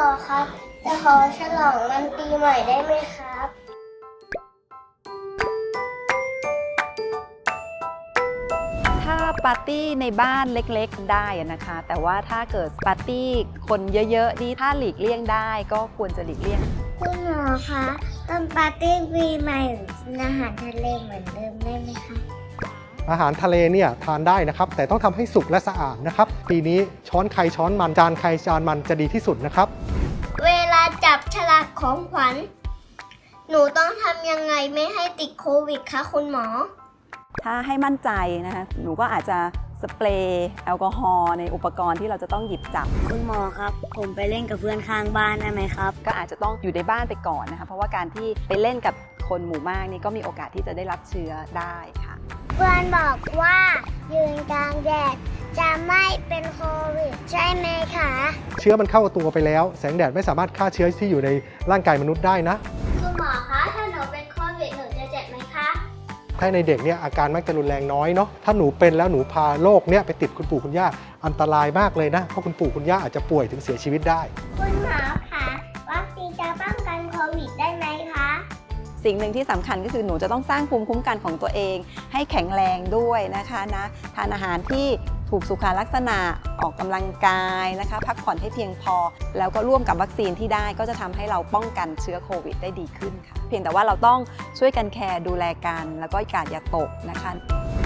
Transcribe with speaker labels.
Speaker 1: ครับจะขอฉลองวันปีใหม่ได้ไหมครับ
Speaker 2: ถ้าปาร์ตี้ในบ้านเล็กๆได้นะคะ แต่ว่าถ้าเกิดปาร์ตี้คนเยอะๆนี่ถ้าหลีกเลี่ยงได้ก็ควรจะหลีกเลี่ยง
Speaker 1: คุณหมอคะตอนปาร์ตี้ปีใหม่กินอาหารทะเลเหมือนเดิมได้ไหมคะ
Speaker 3: อาหารทะเลเนี่ยทานได้นะครับแต่ต้องทำให้สุกและสะอาดนะครับปีนี้ช้อนใครช้อนมันจานใครจานมันจะดีที่สุดนะครับ
Speaker 1: เวลาจับฉลากของขวัญหนูต้องทำยังไงไม่ให้ติดโควิดคะคุณหมอ
Speaker 2: ถ้าให้มั่นใจนะคะหนูก็อาจจะสเปรย์แอลกอฮอล์ในอุปกรณ์ที่เราจะต้องหยิบจับ
Speaker 4: คุณหมอครับ ผมไปเล่นกับเพื่อนข้างบ้านได้ไหมครับ
Speaker 2: ก็อาจจะต้องอยู่ในบ้านไปก่อนนะคะเพราะว่าการที่ไปเล่นกับคนหมู่มากนี่ก็มีโอกาสที่จะได้รับเชื้อได้ค่ะ
Speaker 1: เพื่อนบอกว่ายืนกลางแดดจะไม่เป็นโควิดใช่ไหมคะ
Speaker 3: เชื้อมันเข้าตัวไปแล้วแสงแดดไม่สามารถฆ่าเชื้อที่อยู่ในร่างกายมนุษย์ได้นะ
Speaker 1: คุณหมอคะถ้าหนูเป็นโควิดหนูจะเจ็บไหมคะ
Speaker 3: ถ้าในเด็กเนี่ยอาการมักจะรุนแรงน้อยเนาะถ้าหนูเป็นแล้วหนูพาโรคเนี่ยไปติดคุณปู่คุณย่าอันตรายมากเลยนะเพราะคุณปู่คุณย่าอาจจะป่วยถึงเสียชีวิตได้
Speaker 1: คุณหมอคะวัคซีนจะป้องกันโควิดได้ไหมคะ
Speaker 2: สิ่งหนึ่งที่สำคัญก็คือหนูจะต้องสร้างภูมิคุ้มกันของตัวเองให้แข็งแรงด้วยนะคะทานอาหารที่ถูกสุขลักษณะออกกำลังกายนะคะพักผ่อนให้เพียงพอ แล้วก็ร่วมกับวัคซีนที่ได้ก็จะทำให้เราป้องกันเชื้อโควิดได้ดีขึ้นค่ะเพียงแต่ว่าเราต้องช่วยกันแคร์ดูแลกันแล้วก็กาดอย่าตกนะคะ